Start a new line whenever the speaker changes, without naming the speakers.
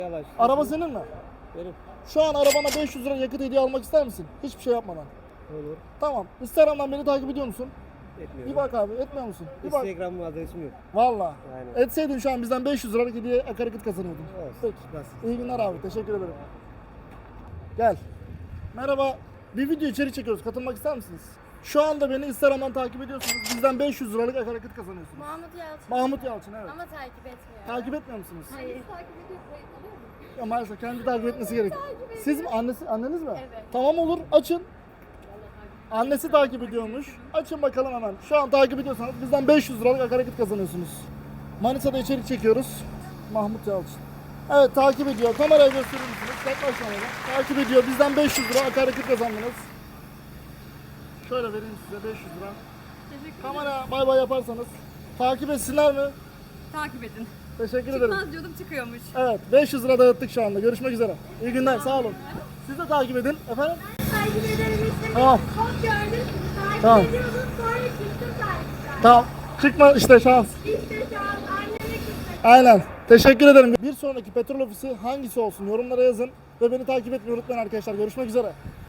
Yavaş.
Araba senin mi?
Benim.
Şu an arabana 500 lira yakıt hediye almak ister misin? Hiçbir şey yapmadan.
Olur.
Tamam. Instagram'dan beni takip ediyor musun?
Etmiyorum.
Bir bak abi, etmiyor musun? Bir bak.
Instagram adresim yok.
Valla.
Aynen.
Etseydin şu an bizden 500 liralık hediye akaryakıt kazanıyordun.
Olsun.
Peki.
Nasıl?
İyi günler abi. Teşekkür ederim. Gel. Merhaba. Bir video içerik çekiyoruz. Katılmak ister misiniz? Şu anda beni Instagram'dan takip ediyorsunuz. Bizden 500 liralık akaryakıt kazanıyorsunuz.
Mahmut Yalçın.
Mahmut Yalçın, evet.
Ama takip etmiyor.
Takip etmiyor musunuz?
Hayır.
Ya maalesef kendi takip etmesi gerekiyor. Siz mi? Anneniz mi?
Evet.
Tamam olur. Açın. Annesi takip ediyormuş. Açın bakalım hemen. Şu an takip ediyorsanız bizden 500 liralık akaryakıt kazanıyorsunuz. Manisa'da içerik çekiyoruz. Mahmut Yalçın. Evet, takip ediyor. Kameraya gösterir misiniz? Yaklaşmayın. Takip ediyor. Bizden 500 lira akaryakıt kazandınız. Şöyle vereyim size 500 lira. Kamera bay bay yaparsanız. Takip etsinler mi?
Takip edin.
Teşekkür ederim.
Çıkmaz diyordum çıkıyormuş.
Evet, 500 lira dağıttık şu anda. Görüşmek üzere. İyi günler, sağ olun. Siz de takip edin. Efendim?
Takip ederim işte.
Tamam.
Çok gördüm. Takip
Tamam.
ediyordum. Sonra çıktım takipten.
Tamam. Çıkma işte şans.
İşte şu an anneme gitmek.
Aynen. Teşekkür ederim. Bir sonraki petrol ofisi hangisi olsun? Yorumlara yazın. Ve beni takip etmeyi unutmayın arkadaşlar. Görüşmek üzere.